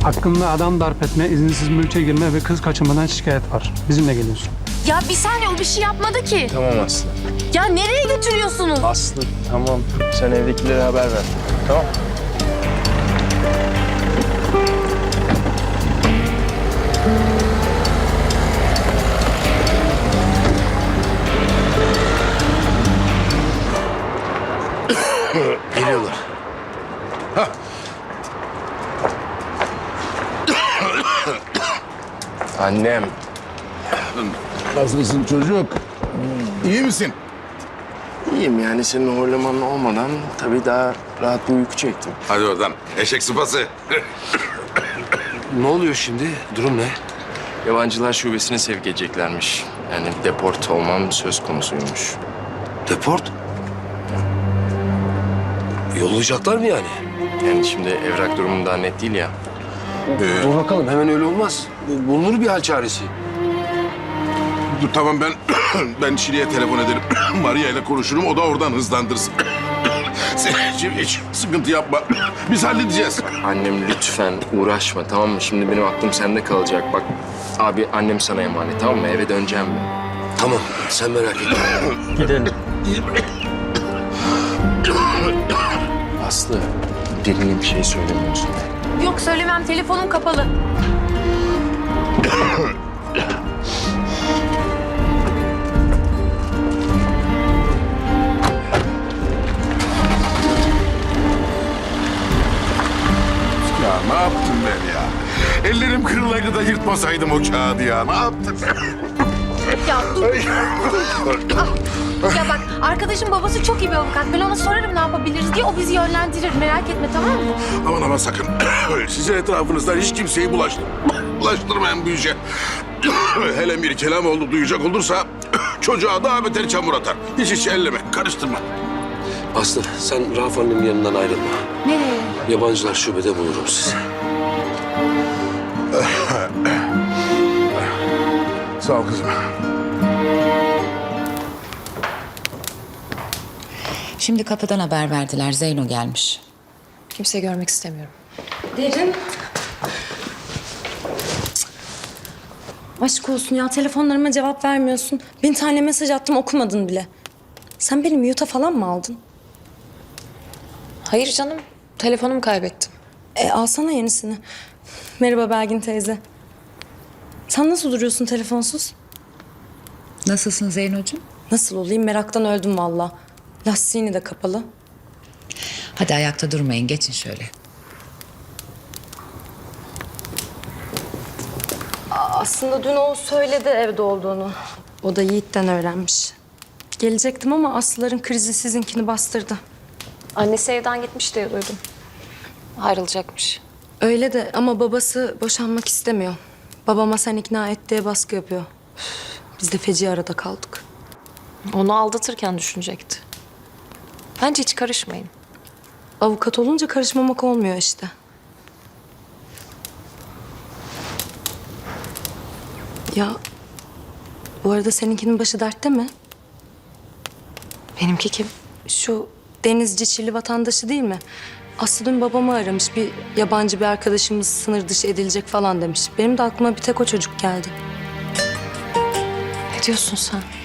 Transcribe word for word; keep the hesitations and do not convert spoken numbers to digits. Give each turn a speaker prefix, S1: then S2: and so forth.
S1: Hakkında adam darp etme, izinsiz mülke girme ve kız kaçırmadan şikayet var. Bizimle geliyorsun.
S2: Ya bir saniye, o bir şey yapmadı ki.
S3: Tamam Aslı.
S2: Ya nereye götürüyorsunuz?
S3: Aslı tamam. Sen evdekilere haber ver. Tamam.
S4: Geliyorlar. Hah.
S3: Annem.
S4: Nasılsın çocuk? İyi misin?
S3: İyiyim yani senin horlaman olmadan tabii daha rahat bir uyku çektim.
S4: Hadi oradan. Eşek sıpası.
S5: Ne oluyor şimdi? Durum ne?
S3: Yabancılar şubesine sevk edeceklermiş. Yani deport olmam söz konusuymuş.
S5: Deport? Yollayacaklar mı yani?
S3: Yani şimdi evrak durumu daha net değil ya.
S4: Ee,
S5: Dur bakalım, hemen öyle olmaz. Bu- Bulunur bir hal çaresi.
S4: dur tamam ben ben Şili'ye telefon ederim. Maria ile konuşurum. O da oradan hızlandırsın. Sen şimdi hiç sıkıntı yapma. Biz halledeceğiz.
S3: Annem lütfen uğraşma, tamam mı? Şimdi benim aklım sende kalacak. Bak abi, annem sana emanet, tamam mı? Eve döneceğim ben.
S5: Tamam, sen merak etme.
S1: Gidelim.
S3: Aslı, birine bir şey söylemiyorsun.
S2: Yok söylemem, telefonum kapalı.
S4: Ya ne yaptım ben ya? Ellerim kırılaydı da yırtmasaydım o kağıdı ya. Ne yaptım?
S2: Ya dur. Ah, ya bak, arkadaşım babası çok iyi bir avukat. Ben ona sorarım ne yapabiliriz diye, o bizi yönlendirir. Merak etme, tamam mı?
S4: Aman aman sakın. Sizin etrafınızdan hiç kimseyi bulaştır. Bulaştırmayın bu işe. Hele bir kelam oldu duyacak olursa çocuğa daha beter çamur atar. Hiç hiç elleme, karıştırma.
S5: Aslı, sen Rauf annemin yanından ayrılma.
S2: Nereye?
S5: Yabancılar şubede bulurum sizi.
S4: Sağ ol kızım.
S6: Şimdi kapıdan haber verdiler. Zeyno gelmiş.
S7: Kimseyi görmek istemiyorum.
S8: Derin. Aşk olsun ya, telefonlarıma cevap vermiyorsun. Bin tane mesaj attım, okumadın bile. Sen benim mute'a falan mı aldın?
S7: Hayır canım. Telefonumu kaybettim.
S8: E alsana yenisini. Merhaba Belgin teyze. Sen nasıl duruyorsun telefonsuz?
S6: Nasılsın Zeynocuğum?
S8: Nasıl olayım, meraktan öldüm valla. Lastiğini de kapalı.
S6: Hadi ayakta durmayın. Geçin şöyle.
S8: Aslında dün o söyledi evde olduğunu. O da Yiğit'ten öğrenmiş. Gelecektim ama Aslıların krizi sizinkini bastırdı.
S7: Annesi evden gitmiş diye duydum. Ayrılacakmış.
S8: Öyle de ama babası boşanmak istemiyor. Babama sen ikna et diye baskı yapıyor. Üf, biz de feci arada kaldık.
S7: Onu aldatırken düşünecekti. Bence hiç karışmayın.
S8: Avukat olunca karışmamak olmuyor işte. Ya bu arada seninkinin başı dertte mi?
S7: Benimki kim?
S8: Şu denizci Çilli vatandaşı değil mi? Aslı dün babamı aramış. Bir yabancı bir arkadaşımız sınır dışı edilecek falan demiş. Benim de aklıma bir tek o çocuk geldi.
S7: Ne diyorsun sen?